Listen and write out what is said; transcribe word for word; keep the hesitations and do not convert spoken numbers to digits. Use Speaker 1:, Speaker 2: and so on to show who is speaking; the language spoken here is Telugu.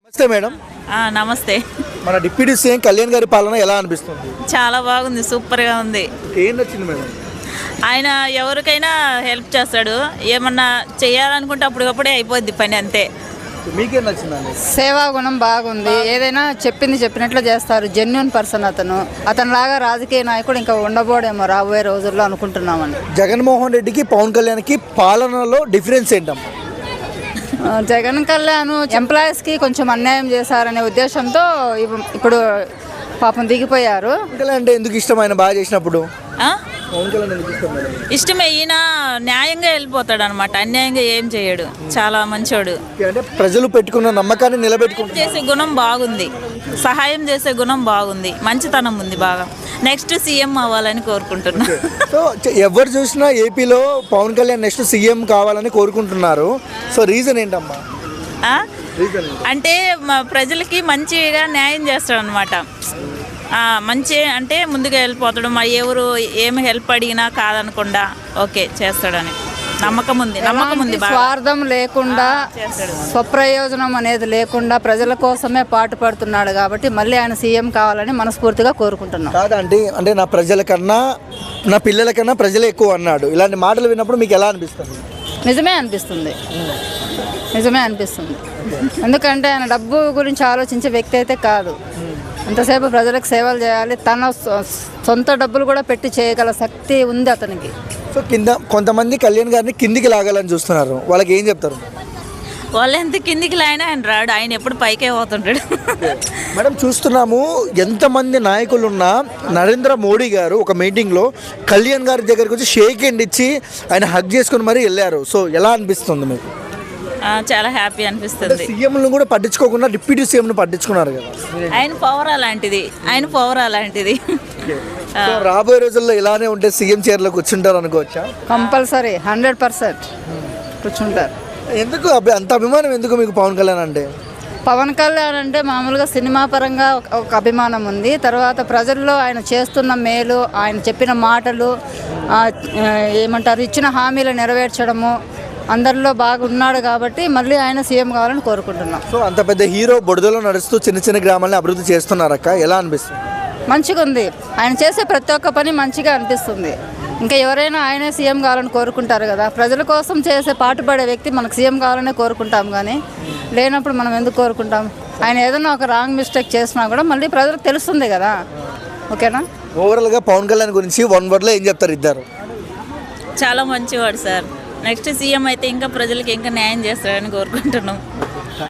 Speaker 1: నమస్తే మేడం.
Speaker 2: నమస్తే.
Speaker 1: మన డిప్యూటీ సీఎం కళ్యాణ్ గారి పాలన ఎలా అనిపిస్తుంది?
Speaker 2: చాలా బాగుంది, సూపర్గా ఉంది.
Speaker 1: ఏం నచ్చింది మేడం?
Speaker 2: ఆయన ఎవరికైనా హెల్ప్ చేస్తాడు, ఏమన్నా చేయాలనుకుంటే అప్పటికప్పుడే అయిపోద్ది పని, అంతే.
Speaker 1: మీకేం నచ్చిందండి?
Speaker 3: సేవా గుణం బాగుంది, ఏదైనా చెప్పింది చెప్పినట్లు చేస్తారు. జెన్యున్ పర్సన్ అతను. అతనిలాగా రాజకీయ నాయకుడు ఇంకా ఉండబోడేమో రాబోయే రోజుల్లో అనుకుంటున్నామని.
Speaker 1: జగన్మోహన్ రెడ్డికి పవన్ కళ్యాణ్కి పాలనలో డిఫరెన్స్ ఏంటమ్మా?
Speaker 3: జగన్ కళ్యాణ్ ఎంప్లాయీస్కి కొంచెం అన్యాయం చేశారనే ఉద్దేశంతో ఇప్పుడు పాపం దిగిపోయారు.
Speaker 1: పవన్ కళ్యాణ్ అంటే ఎందుకు ఇష్టం? ఆయన బాగా చేసినప్పుడు
Speaker 2: ఆ?
Speaker 1: పవన్ కళ్యాణ్ ఎందుకు ఇష్టం మేడం?
Speaker 2: ఇష్టమే. ఈయన న్యాయంగా వెళ్ళిపోతాడు అనమాట, అన్యాయంగా ఏం చేయడు, చాలా మంచోడు.
Speaker 1: అంటే ప్రజలు పెట్టుకున్న నమ్మకాన్ని నిలబెట్టుకుంటారు.
Speaker 2: చేసే గుణం బాగుంది, సహాయం చేసే గుణం బాగుంది, మంచితనం ఉంది బాగా. నెక్స్ట్ సీఎం అవ్వాలని కోరుకుంటున్నా.
Speaker 1: సో ఎవరు చూసినా ఏపీలో పవన్ కళ్యాణ్ నెక్స్ట్ సీఎం కావాలని కోరుకుంటున్నారు. సో రీజన్ ఏంటమ్మా?
Speaker 2: ఆ?
Speaker 1: రీజన్
Speaker 2: అంటే మా ప్రజలకి మంచిగా న్యాయం చేస్తాడు అనమాట. మంచి అంటే ముందుగా వెళ్ళిపోతాడు, మా ఎవరు ఏమి హెల్ప్ అడిగినా కాదనకుండా ఓకే చేస్తాడని నమ్మకం ఉంది. నమ్మకం ఉంది.
Speaker 3: స్వార్థం లేకుండా, స్వప్రయోజనం అనేది లేకుండా ప్రజల కోసమే పాటు పడుతున్నాడు కాబట్టి మళ్ళీ ఆయన సీఎం కావాలని మనస్ఫూర్తిగా కోరుకుంటున్నాం.
Speaker 1: కాదండి, అంటే నా ప్రజల కన్నా నా పిల్లల కన్నా ప్రజలే ఎక్కువ అన్నాడు. ఇలాంటి మాటలు విన్నప్పుడు మీకు ఎలా అనిపిస్తుంది?
Speaker 3: నిజమే అనిపిస్తుంది, నిజమే అనిపిస్తుంది. ఎందుకంటే ఆయన డబ్బు గురించి ఆలోచించే వ్యక్తి అయితే కాదు. ఎంతసేపు ప్రజలకు సేవలు చేయాలి, తన సొంత డబ్బులు కూడా పెట్టి చేయగల శక్తి ఉంది అతనికి.
Speaker 1: సో కింద కొంతమంది కళ్యాణ్ గారిని కిందికి లాగాలని చూస్తున్నారు, వాళ్ళకి ఏం చెప్తారు?
Speaker 2: వాళ్ళు ఎంత కిందికి లాగినా ఆయన రాడు, ఆయన ఎప్పుడు పైకే పోతుంటాడు.
Speaker 1: మేడం, చూస్తున్నాము ఎంతమంది నాయకులున్నా నరేంద్ర మోడీ గారు ఒక మీటింగ్లో కళ్యాణ్ గారి దగ్గరికి వచ్చి షేక్ హ్యాండ్ ఇచ్చి ఆయన హగ్ చేసుకుని మరీ వెళ్ళారు. సో ఎలా అనిపిస్తుంది మీకు?
Speaker 2: చాలా హ్యాపీ అనిపిస్తుంది.
Speaker 1: సీఎంను కూడా పట్టించుకోకుండా డిప్యూటీ సీఎంను పట్టించుకున్నారు కదా.
Speaker 2: ఆయన పవర్ అలాంటిది, ఆయన పవర్ అలాంటిది.
Speaker 1: రాబోయే రోజుల్లో ఇలానే ఉంటే సీఎం చైర్లో కూర్చుంటారు అనుకోవచ్చా?
Speaker 3: కంపల్సరీ హండ్రెడ్ పర్సెంట్ కూర్చుంటారు.
Speaker 1: ఎందుకు అంత అభిమానం ఎందుకు మీకు పవన్ కళ్యాణ్ అంటే?
Speaker 3: పవన్ కళ్యాణ్ అంటే మామూలుగా సినిమా పరంగా ఒక అభిమానం ఉంది. తర్వాత ప్రజల్లో ఆయన చేస్తున్న మేలు, ఆయన చెప్పిన మాటలు, ఏమంటారు, ఇచ్చిన హామీలు నెరవేర్చడము, అందరిలో బాగా ఉన్నాడు కాబట్టి మళ్ళీ ఆయన సీఎం కావాలని కోరుకుంటున్నాం.
Speaker 1: సో అంత పెద్ద హీరో బుడదలో నడుస్తూ చిన్న చిన్న గ్రామాలని అభివృద్ధి చేస్తున్నారక్క, ఎలా అనిపిస్తుంది?
Speaker 3: మంచిగా ఉంది. ఆయన చేసే ప్రతి ఒక్క పని మంచిగా అనిపిస్తుంది. ఇంకా ఎవరైనా ఆయనే సీఎం కావాలని కోరుకుంటారు కదా. ప్రజల కోసం చేసే పాటుపడే వ్యక్తి మనకు సీఎం కావాలనే కోరుకుంటాం, కానీ లేనప్పుడు మనం ఎందుకు కోరుకుంటాం? ఆయన ఏదైనా ఒక రాంగ్ మిస్టేక్ చేసినా కూడా మళ్ళీ ప్రజలకు తెలుస్తుంది కదా. ఓకేనా?
Speaker 1: ఓవరాల్గా పవన్ కళ్యాణ్ గురించి వన్ వర్డ్లో ఏం చెప్తారు ఇద్దరు?
Speaker 2: చాలా మంచివాడు సార్. నెక్స్ట్ సీఎం అయితే ఇంకా ప్రజలకు ఇంకా న్యాయం చేస్తాడని కోరుకుంటున్నాం.